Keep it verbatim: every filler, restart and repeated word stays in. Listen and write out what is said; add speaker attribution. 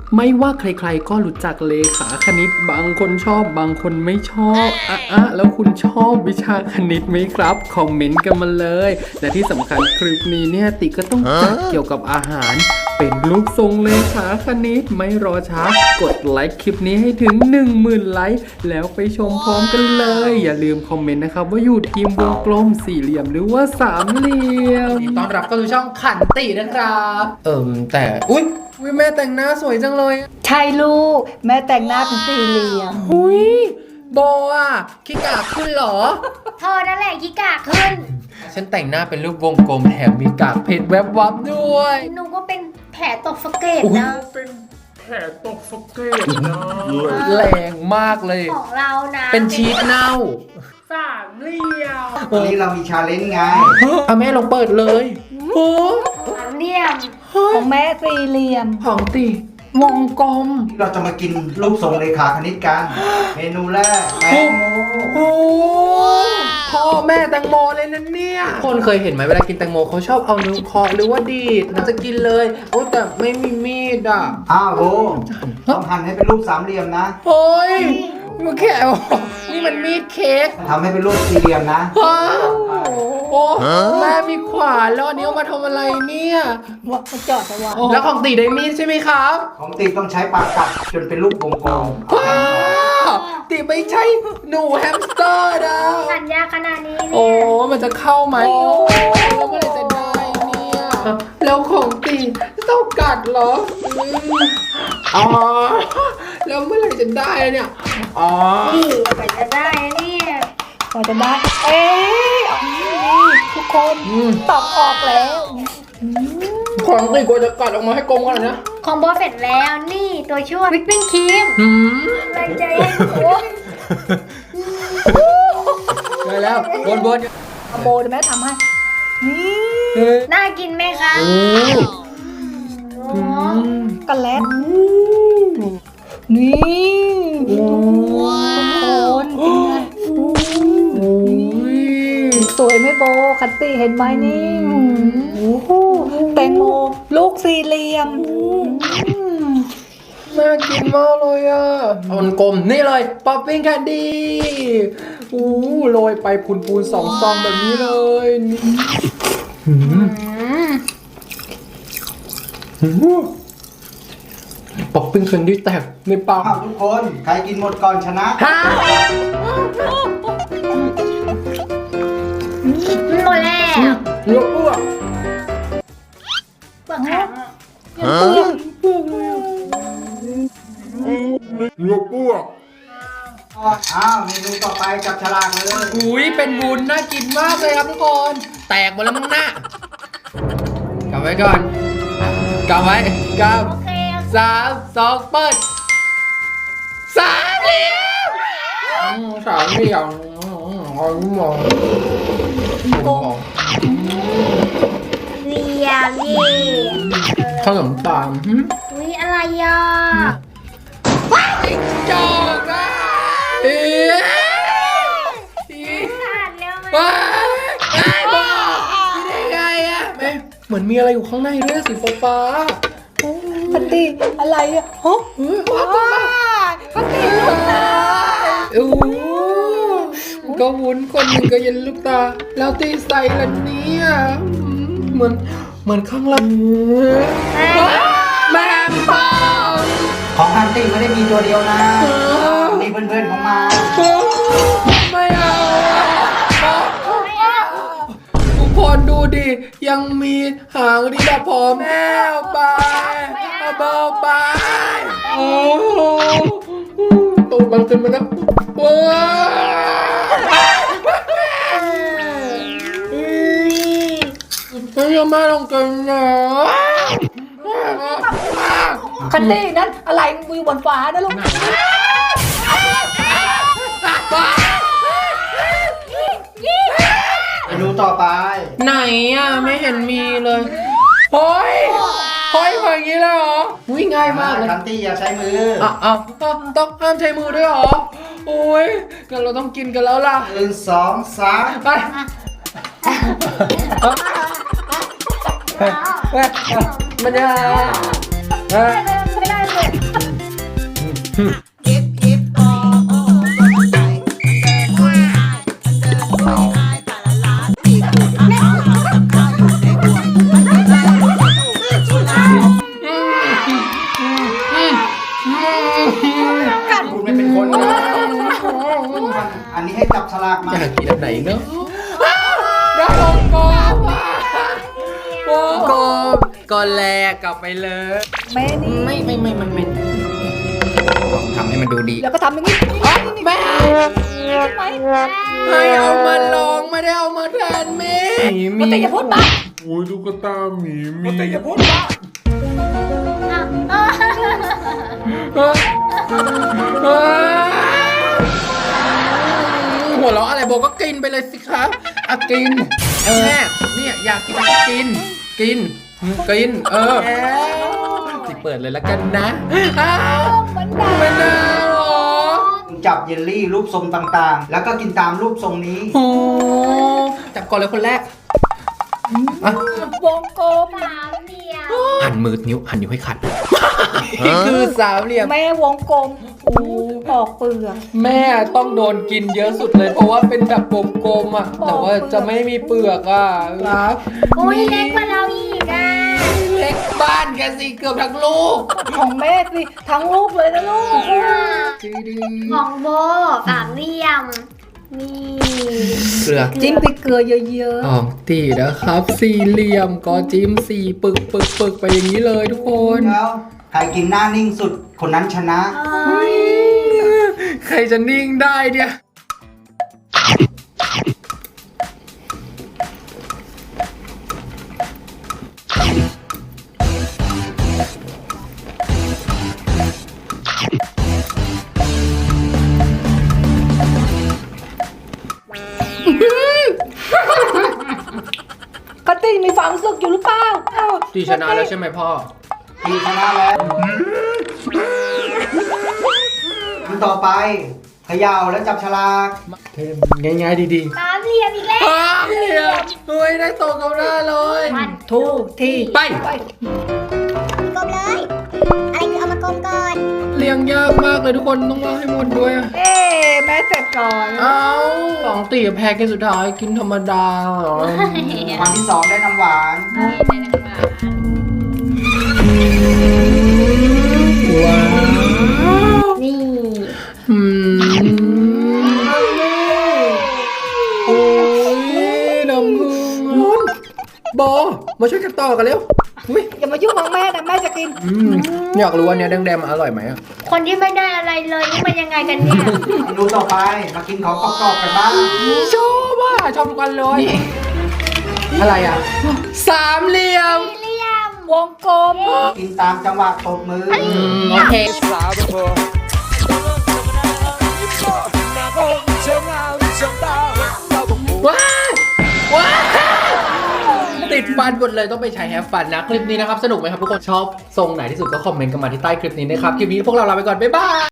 Speaker 1: ไม่ว่าใครๆก็รู้จักเลขาคณิตบางคนชอบบางคนไม่ชอบอ่ะอ่ะแล้วคุณชอบวิชาคณิตไหมครับคอมเมนต์กันมาเลยและที่สำคัญคลิปนี้เนี่ยติก็ต้องจัดเกี่ยวกับอาหารเป็นรูปทรงเลขาคณิตไม่รอช้ากดไลค์คลิปนี้ให้ถึง หนึ่งหมื่น ไลค์แล้วไปชมพร้อมกันเลยอย่าลืมคอมเมนต์นะครับว่าอยู่ทีมวงกลมสี่เหลี่ยมหรือว่าสามเหลี่ยมต้อนรับเข้าสู่ช่องขันตินะครับเอิ่มแต่อุ๊ยอุ๊ยแม่แต่งหน้าสวยจังเลย
Speaker 2: ใช่ลูกแม่แต่งหน้าเป็นสี่เหลี่ยม
Speaker 1: หุยโบอ่ะขี้กากขึ้นเหรอ
Speaker 3: เธอนั่นแหละขี้กากขึ้น
Speaker 1: ฉันแต่งหน้าเป็นรูปวงกลมแถมมีกากเพชรแวบวับด้วย
Speaker 3: หนูก็เป็นแผลตกสะเก็ด
Speaker 1: อุ๊ย
Speaker 3: นะ
Speaker 1: เป็นแผลตกสะเก็ดนะแรงมากเลย
Speaker 3: ของเรานะ
Speaker 1: เป็นชีสเน่าสามเหลี่ยม
Speaker 4: วันนี้เรามีชาเลนจ์ไง
Speaker 1: เอาแม่ลองเปิดเลยโอ้
Speaker 3: สามเหลี่ยม
Speaker 2: ของแม่สี่เหลี่ยม
Speaker 1: ของตีวงกลม
Speaker 4: เราจะมากินรูปทรงเลขาคณิตกัน เมนูแรกแตงโม
Speaker 1: โอ้พ่อแม่แตงโมเลยนะเนี่ยคนเคยเห็นไหมเวลากินแตงโมเขาชอบเอานิ้วเคาะหรือว่าดีดนะจะกินเลยโอ้แต่ไม่มีมีดอ่ะ
Speaker 4: อ้าวโบต้องหั่นให้เป็นรูปสามเหลี่ยมนะ
Speaker 1: โอ้ยมันแค่นี่มันมีดเค้ก
Speaker 4: ทำให้เป็นรูปสี่เหลี่ยมนะ
Speaker 1: ว้าวโอ้แม่มีขวานแล้วอันนี้เอามาทำอะไรเนี่ย
Speaker 2: ว่าเขาจอดเอาไว้
Speaker 1: แล้วของตีได้มีดใช่ไหมครับ
Speaker 4: ของตีต้องใช้ปากกัดจนเป็นรูปวงกลม
Speaker 1: ว้าวตีไม่ใช่หนูแฮมสเตอร์นะ
Speaker 3: สัญญาขนาดนี้
Speaker 1: โอ้
Speaker 3: เนี่ย
Speaker 1: มันจะเข้าไหมโอ้แล้วเมื่อไหรจะได้เนี่ยแล้วของตีต้องกัดเหรออืมอ๋อแล้วเมื่อไหรจะได้เนี่ยอ๋อ
Speaker 3: นี่กว่าจะได้เนี่ย
Speaker 2: กว่าจะได้ เอ๊ะนี่ทุกคนตอบออกแล้ว
Speaker 1: ของตีกว่าจะกัดออกมาให้กลมขนาดนี้
Speaker 3: ของโบเสร็จแล้วนี่ตัวช่วยวิปปิ้งครีม
Speaker 1: หืม
Speaker 3: อะไรใจเย็นโอ้ย
Speaker 1: ได้แล้ววนวน
Speaker 2: เอาโบเดี๋ยวแม่ทำให้ นี่
Speaker 1: เฮ้ย
Speaker 3: น่ากินไหมคะ
Speaker 1: โอ้
Speaker 3: โอ้
Speaker 2: กระแลตนี่ทุกคนเป็นไง
Speaker 1: โอ้ย
Speaker 2: สวยไหมโบคัตตี้เห็นไหมนี่โอ้โหแตงโมลูกสี่เหลี่ยมอืม
Speaker 1: น่ากินมากเลยอ่ะเอามันกลมนี่เลยป๊อปปิ้งแคนดี้อู้โรยไปพูนปูนสองซองแบบนี้เลยนี่หืมหืมป๊อปปิ้งแคนดี้แตกในปาก
Speaker 4: อ้าวทุกคนใครกินหมดก่อนชนะ
Speaker 1: ฮะ
Speaker 3: หมดแล้ว
Speaker 1: เลือกอ้วก
Speaker 3: เปลือกแข็งอะ
Speaker 1: เลือกอ้วก
Speaker 4: อ้าวเมนูต่อไปจับฉลากเลย
Speaker 1: อุ้ยเป็นวุ้นน่ากินมากเลยครับทุกคนแตกหมดแล้วมั้งหน้า กลับไว้ก่อนกลับไว้กลับ
Speaker 3: โอเค
Speaker 1: สามสองเปิดสามเหลี่ยมอืมสามเหลี่ยมอ๋อมองมอง
Speaker 3: เรียมเย่
Speaker 1: ขนมปัง
Speaker 3: อุ้ยอะไรอ่ะ
Speaker 1: จอกอ่ะเอ๊ะ
Speaker 3: ขาดแล้วไหม
Speaker 1: ว้ายไอ้บอกได้ไงอ่ะแม่เหมือนมีอะไรอยู่ข้างในด้วยสีฟ้า
Speaker 2: คัตตี้อะไรอ่ะฮะ
Speaker 1: เฮ้ยว้าว
Speaker 2: คัตตี้ลูกตา
Speaker 1: โอ้ก็วุ้นคนหนึ่งก็เย็นลูกตา แล้วตีใส่ละเนี่ยเหมือนเหมือนข้างหลังแม่ป้า
Speaker 4: ของฮันตี้ไม่ได้มีตัวเดียวนะมีเพื่อนๆของมา
Speaker 1: ไม่เอาทุกคนดูดิ ยังมีหางดีแบบพอแม่เอาไปเอาเบาไปโอ้ตูดมันขึ้นมาแล้วว้าวไม่ยอมมาลงกันนะ
Speaker 2: คัตตี้นั้นอะไรมือบนฟ้านะลูก
Speaker 4: เมนูต่อไป
Speaker 1: ไหนอ่ะไม่เห็นมีเลยเฮ้ยเฮ้ยแบบนี้เลยเหรอวิ่งง่ายมากเลย
Speaker 4: ฮันตี้อย่าใช้มือ
Speaker 1: อ่ะอ่ะอ่ะต้องห้ามใช้มือด้วยเหรอโอ้ยงั้นเราต้องกินกันแล้วล่ะ
Speaker 4: หนึ่งสองสาม
Speaker 1: ไปมันจะ
Speaker 3: ไม่ได้
Speaker 4: คุณไม่เป็นคนนะอันนี้ให้จับฉลากมา
Speaker 1: อยากกินอันไหนเนาะได้วงกลมวงกลมก็แลกกลับไปเลย
Speaker 2: แม่นี่
Speaker 1: ไม่ไม่ไม่ไม่ไม่ทำให้มันดูดี
Speaker 2: แล้วก็ทำอย่างนี้
Speaker 1: แม่
Speaker 2: ใช่ไหม
Speaker 1: ให้เอามาลองไม่ได้เอามาแทนแม่
Speaker 2: มันแต่อย่าพูดบ้า
Speaker 5: โอ้ยตุ๊กตาหมีหมี
Speaker 4: แต่อย่าพูดว่า
Speaker 1: หัวเราะอะไรโบก็กินไปเลยสิครับอ่ะกินแม่เนี่ยอยากกินก็กิน กิน กิน เออสิเปิดเลยแล้วกันนะอ้าวมันดาวมันดาวเหรอ
Speaker 4: จับเยลลี่รูปทรงต่างๆ แล้วก็กินตามรูปทรงนี้
Speaker 1: โอ้จับก่อนเลยคนแรกอ่ะ
Speaker 2: วงกลม
Speaker 3: สามเหลี่ยม
Speaker 1: หันมือนิ้วหันนิ้วให้ขัดนี่คือสามเหลี่ยม
Speaker 2: แม่วงกลมอู้ปอกเปลือก
Speaker 1: แม่ต้องโดนกินเยอะสุดเลย เพราะว่าเป็นแบบกลมๆอ่ะ แต่ว่าจะไม่มีเปลือกอ่ะครับ
Speaker 3: โอ้ยเล็กกว่าเราอีกอ่ะ
Speaker 1: เล็กบ้านแกสิเกือบทั้งลูก
Speaker 2: ของแม่สิทั้งลูกเลยนะลูก
Speaker 3: ของโบสามเหลี่ยม นี่
Speaker 1: เกลือ
Speaker 2: จิ้มพริกเกลือเยอะ
Speaker 1: ของตีนะครับ สี่เหลี่ยมก็จิ้มสี่ปึกปึกปึกไปอย่างนี้เลยทุกคน
Speaker 4: แล้วใครกินหน้านิ่งสุดคนนั้นชนะ
Speaker 1: ใครจะนิ่งได้เนี่ย
Speaker 2: ๆคัตตี้มีความรู้สึกอยู่หรือเปล่าอ้าว
Speaker 1: ตีชนะแล้วใช่ไหมพ่อ
Speaker 4: ทีชนะแล้วอันต่อไปเขย่าแล้วจับฉลาก
Speaker 1: เทมง่ายๆดี
Speaker 3: สามเหลี่ยมอีกแล้ว
Speaker 1: ๆอ้าวเหลี่ยมเฮ้ยได้ตรงกับหน้าเลย
Speaker 2: ทูที่
Speaker 1: ไป
Speaker 2: ไป
Speaker 6: กลมเลย อะไรคือเอามากลมก่อน
Speaker 1: เลี้ยงยากมากเลยทุกคนต้องว่าให้หมดด้วยอะ
Speaker 2: เอ๊ะแม่เสร็จก่อน
Speaker 1: เอาสองตีแพ้แค่สุดท้ายกินธรรมดาเหรอ
Speaker 4: วันที่สองได้น้ำหวาน
Speaker 1: ว้าว
Speaker 3: นี่
Speaker 1: อืมโอ้ยน้ำผึ้งบอมาช่วยกันต่อกันเร็วอุ๊ย
Speaker 2: อย่ามายุ่งของแม่นะแม่จะกิน
Speaker 1: อืมอยากรู้ว่าเนี้ยแดงๆมันอร่อยไหมอะ
Speaker 3: คนที่ไม่ได้อะไรเลยนี่มันยังไงกันเนี่ย
Speaker 4: เมนูต่อไปมากินของกรอบๆกันบ้าง
Speaker 1: ชอบอ่ะชอบทุกกันเลย อะไรอ่ะ สามเหลี่ยม
Speaker 3: เหลี่ยม
Speaker 2: วงกลม
Speaker 4: กินตามจังหวะตบมือ
Speaker 1: อืมโอเคว้าวว้าวติดฟันหมดเลยต้องไปใช้แฮปฟันนะ คลิปนี้นะครับ สนุกไหมครับทุกคนชอบทรงไหนที่สุดก็คอมเมนต์กันมาที่ใต้คลิปนี้นะครับ คลิปนี้พวกเราลาไปก่อน บ๊ายบาย